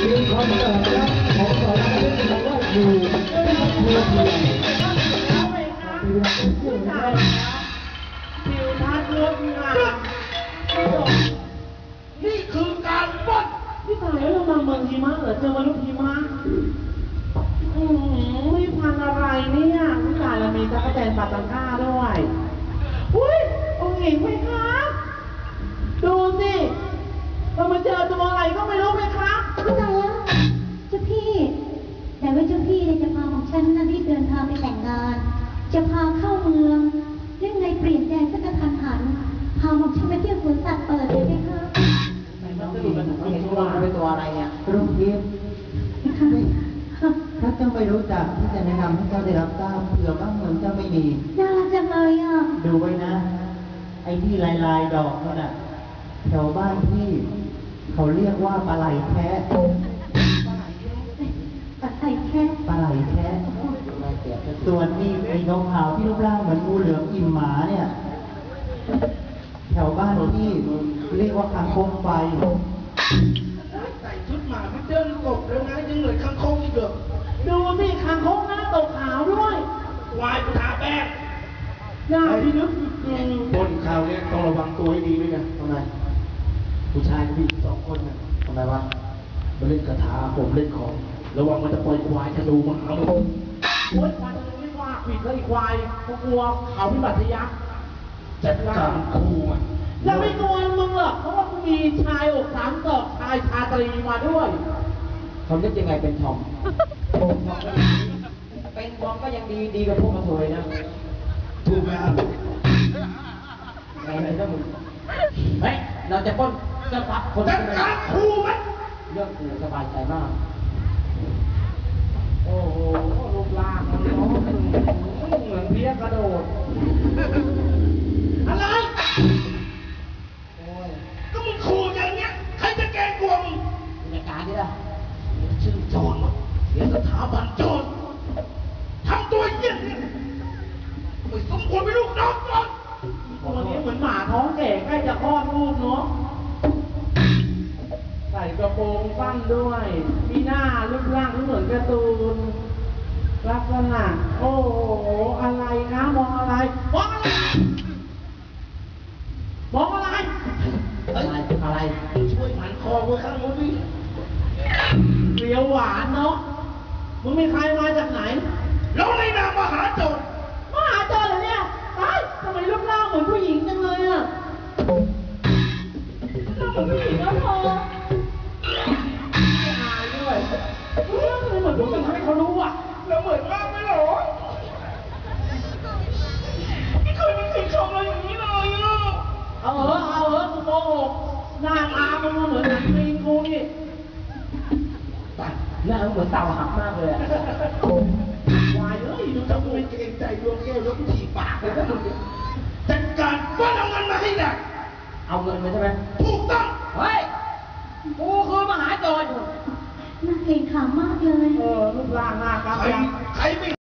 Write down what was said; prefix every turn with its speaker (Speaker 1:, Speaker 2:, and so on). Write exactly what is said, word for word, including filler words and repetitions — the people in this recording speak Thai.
Speaker 1: เป็นคอนเสิร์ตนะของสอนรามเล่นคำว่าอยู่ไม่ได้ทำเพื่อเพื่อน
Speaker 2: แล้วไหมคะผู้ชายผิวทัดงดงามนี่คือการปล้นพี่ตายแล้วเรามาเมืองหิมะเหรอเจอมนุษย์หิมะอืมไม่พันอะไรเนี่ยพี่ตายเรามีจักรแตนปาตังก้าด้วยอุ้ยองค์หญิงไหมคะดูสิเรามาเจอตัวอะไรก็ไม่รู้ไหมคะ
Speaker 3: เข้าใจแล้วเจ้าพี่แต่ว่าเจ้าพี่เนี่ยจะพาของฉันนะรีบเดินทางไปแต่งงานจะพาเข้าเมืองเรื่องไงเปลี่ยนแปลงสักกระทันหันพาของฉันไปเที่ยวสวนสัตว์เปิดเลยไหมคะ
Speaker 4: น้องดีเห็นตัวเป็นตัวอะไรเนี่ย
Speaker 1: รุ่งทิพย์ถ้าเจ้าไม่รู้จักที่จะแนะนำให้เจ้าได้รับทราบเผื่อบ้านเมืองเจ้าไม่มี
Speaker 3: น่ารักจังเลยอ่ะ
Speaker 1: ดูไว้นะไอ้ที่ลายลายดอกนั่นน่ะแถวบ้านพี่เขาเรียกว่าปลาไหลแคะ
Speaker 3: ปลาไหลแคะ
Speaker 1: ปลาไหลแคะส่วนนี้ไอ้ขาวๆที่รูปร่างเหมือนงูเหลือมอิ่มหมาเนี่ยแถวบ้านพี่เรียกว่าคางคกไฟ
Speaker 2: ใส่ชุดหมาไม่เดินกบแล้วนะยังเหมือนคางคกอีกเหรอดูสิคางคกหน้าตกขาวด้วยวายกูทาแป้งหน้าพี่นึกบนข่าวเนี่ยต้องระวังตัวให้ดีด้วยนะทำไมผู้ชายผู้หญิงสองคนนะทำไมวะมาเล่นกระถาผมเล่นของระวังมันจะปล่อยควายจะดูมาหามึงโอ๊ยควายจะไม่ว่าผิดแล้วอีกควายเขากลัวเขาพิบัติยักษ์จัดการคู่มันแล้วไม่กลัวมึงหรอกเพราะว่ากูมีชายอกสามศอกชายชาตรีมาด้วย
Speaker 4: เขาเรียกยังไงเป็นทอมเป็นทอมก็ยังดีดีกว่าพวกกระเทยนะ
Speaker 2: ถูกไหมครับ
Speaker 4: ไงเลยนะมึงเฮ้ยเราจะป้นจะพับคน
Speaker 2: จัดการคู่มัน
Speaker 4: เรื่องกูสบายใจมาก
Speaker 2: โอ้โหรูปร่างมันน้องเหมือนเพี้ยกระโดดอะไรโอ้ยก็มึงขู่อย่างเงี้ยใครจะแกล้งกลัวมึง
Speaker 4: บรรยากาศดิล่ะ
Speaker 2: ชื่อโจรเสียสถาบันโจรทำตัวเยี่ยมไม่สมควรเป็นลูกน้องโจรตัวนี้เหมือนหมาท้องแก่ใกล้จะคลอดลูกเนาะใส่กระโปรงสั้นด้วยมีหน้ารูปร่างที่เหมือนการ์ตูนลักษณะโอ้โหอะไรนะมองอะไรมองอะไรมองอะไร
Speaker 4: อะไรอะไร
Speaker 2: ช่วยหันคอไว้ข้างนู้นดิเปรี้ยวหวานเนาะมึงมีใครมาจากไหนแล้วในนามมหาโจรมหาโจรเหรอเนี่ยไอ้ทำไมรูปร่างเหมือนผู้หญิงจังเลยอ่ะรูปร่างเหมือนผู้หญิงแล้วพอไม่อายด้วยเรื่องเหมือนผู้หญิงให้เขารู้อ่ะแล้วเหมือนมากไหมหรอไม่เคยมีใครชมเราอย่างนี้เลยอ่ะเอาเหอะเอาเหอะกูโกหกหน้าตามึงเหมือนหนังจีนกูนี่
Speaker 4: หน้าเหมือนเต่าหักมากเลยอะ
Speaker 2: วายเอ้ยดูทำไมเกรงใจดวงแก้วแล้วกูถีบปากเลยนะจัดการป้อนเอาเงินมาให้ได้
Speaker 4: เอาเงินมาใช่ไหม
Speaker 2: ถูกต้อง
Speaker 4: เฮ้ยกูคือมหาโจร
Speaker 3: น่าเกรงขามมากเลย
Speaker 2: เออรูปร่างหน้าตาใครใครไม่